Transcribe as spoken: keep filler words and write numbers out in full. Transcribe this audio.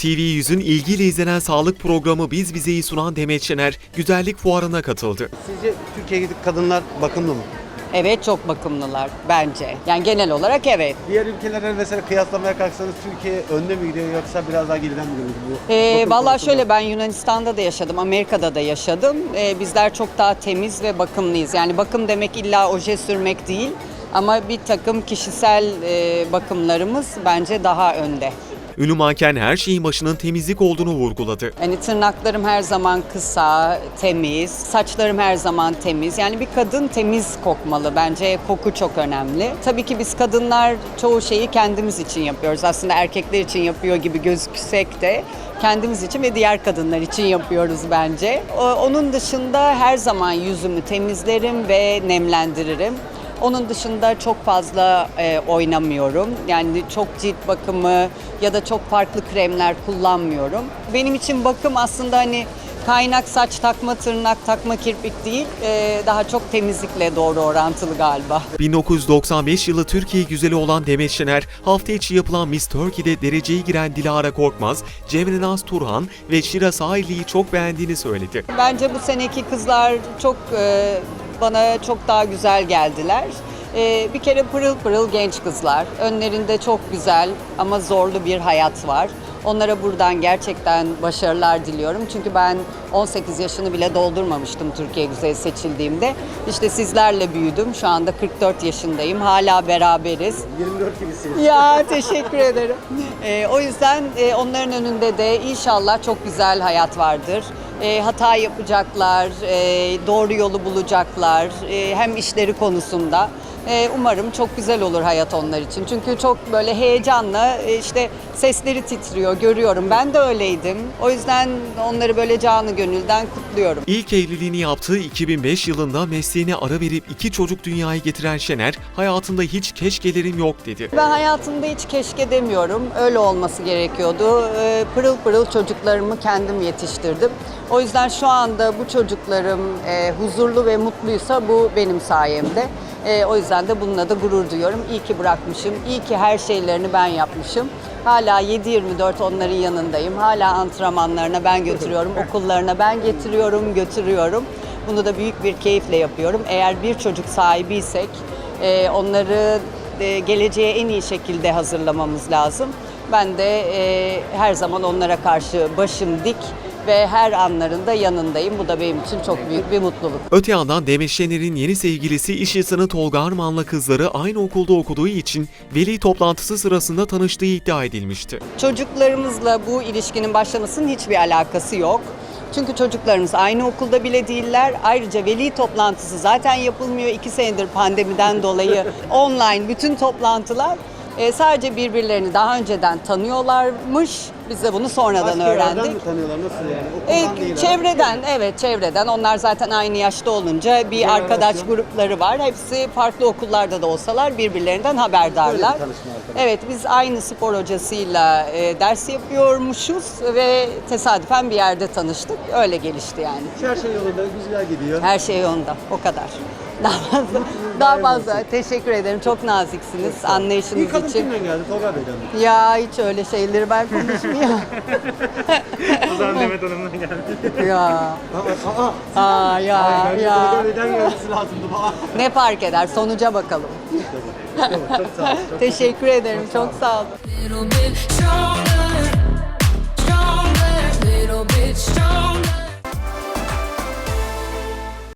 T V yüzün ilgiyle izlenen sağlık programı Biz Bize'yi sunan Demet Şener, güzellik fuarına katıldı. Sizce Türkiye'deki kadınlar bakımlı mı? Evet, çok bakımlılar bence. Yani genel olarak evet. Diğer ülkelerle mesela kıyaslamaya kalksanız Türkiye önde mi gidiyor yoksa biraz daha geriden mi gidiyor? Ee, Bakım Valla konusunda. şöyle, ben Yunanistan'da da yaşadım, Amerika'da da yaşadım. Ee, bizler çok daha temiz ve bakımlıyız. Yani bakım demek illa oje sürmek değil. Ama bir takım kişisel e, bakımlarımız bence daha önde. Ünlü manken her şeyin başının temizlik olduğunu vurguladı. Yani tırnaklarım her zaman kısa, temiz, saçlarım her zaman temiz. Yani bir kadın temiz kokmalı. Bence koku çok önemli. Tabii ki biz kadınlar çoğu şeyi kendimiz için yapıyoruz. Aslında erkekler için yapıyor gibi gözüksek de kendimiz için ve diğer kadınlar için yapıyoruz bence. Onun dışında her zaman yüzümü temizlerim ve nemlendiririm. Onun dışında çok fazla e, oynamıyorum. Yani çok cilt bakımı ya da çok farklı kremler kullanmıyorum. Benim için bakım aslında hani kaynak saç takma, tırnak takma, kirpik değil, e, daha çok temizlikle doğru orantılı galiba. bin dokuz yüz doksan beş yılı Türkiye güzeli olan Demet Şener, hafta içi yapılan Miss Turkey'de dereceye giren Dilara Korkmaz, Cemre Naz Turhan ve Şira Sahili'yi çok beğendiğini söyledi. Bence bu seneki kızlar çok e, bana çok daha güzel geldiler. E, bir kere pırıl pırıl genç kızlar. Önlerinde çok güzel ama zorlu bir hayat var. Onlara buradan gerçekten başarılar diliyorum. Çünkü ben on sekiz yaşını bile doldurmamıştım Türkiye Güzeli seçildiğimde. İşte sizlerle büyüdüm. Şu anda kırk dört yaşındayım. Hala beraberiz. yirmi dört gibisiniz. Ya teşekkür ederim. Ee, o yüzden e, onların önünde de inşallah çok güzel hayat vardır. E, hata yapacaklar, e, doğru yolu bulacaklar. E, hem işleri konusunda. E, umarım çok güzel olur hayat onlar için. Çünkü çok böyle heyecanla e, işte sesleri titriyor, görüyorum. Ben de öyleydim. O yüzden onları böyle canı gönülden kutluyorum. İlk evliliğini yaptığı iki bin beş yılında mesleğine ara verip iki çocuk dünyaya getiren Şener, hayatında hiç keşkelerim yok dedi. Ben hayatımda hiç keşke demiyorum. Öyle olması gerekiyordu. E, pırıl pırıl çocuklarımı kendim yetiştirdim. O yüzden şu anda bu çocuklarım e, huzurlu ve mutluysa bu benim sayemde. E, o yüzden de bununla da gurur duyuyorum. İyi ki bırakmışım, iyi ki her şeylerini ben yapmışım. Hala yedi yirmi dört onların yanındayım. Hala antrenmanlarına ben götürüyorum, okullarına ben getiriyorum, götürüyorum. Bunu da büyük bir keyifle yapıyorum. Eğer bir çocuk sahibiysek e, onları e, geleceğe en iyi şekilde hazırlamamız lazım. Ben de e, her zaman onlara karşı başım dik ve her anlarında yanındayım. Bu da benim için çok büyük bir mutluluk. Öte yandan Demet Şener'in yeni sevgilisi iş insanı Tolga Arman'la kızları aynı okulda okuduğu için veli toplantısı sırasında tanıştığı iddia edilmişti. Çocuklarımızla bu ilişkinin başlamasının hiçbir alakası yok. Çünkü çocuklarımız aynı okulda bile değiller. Ayrıca veli toplantısı zaten yapılmıyor. İki senedir pandemiden dolayı online bütün toplantılar. E, sadece birbirlerini daha önceden tanıyorlarmış. Biz de bunu sonradan Başka yerlerden öğrendik. mi tanıyorlar? Nasıl yani? Okuldan E, değil. çevreden, evet çevreden. Onlar zaten aynı yaşta olunca bir Jenerasyon. arkadaş grupları var. Hepsi farklı okullarda da olsalar birbirlerinden haberdarlar. Böyle bir tanışma arkadaş. Evet, biz aynı spor hocasıyla e, ders yapıyormuşuz ve tesadüfen bir yerde tanıştık. Öyle gelişti yani. Her şey yolunda, güzel gidiyor. Her şey yolunda. O kadar. Daha fazla. Daha fazla. Teşekkür ederim. Çok naziksiniz anlayışınız İlk adım için. kimden geldi? Tolga Bey'den mi? Ya hiç öyle şeyleri ben konuşmuyorum. O zaman Demet Hanım'dan geldi. Ya. Aa, aa. Aa ya Bence ya. Tolga Bey'den gelmesi lazımdı bana. Ne fark eder? Sonuca bakalım. Çok sağ ol. Çok Teşekkür ederim. Çok sağ olun. Little bit strong.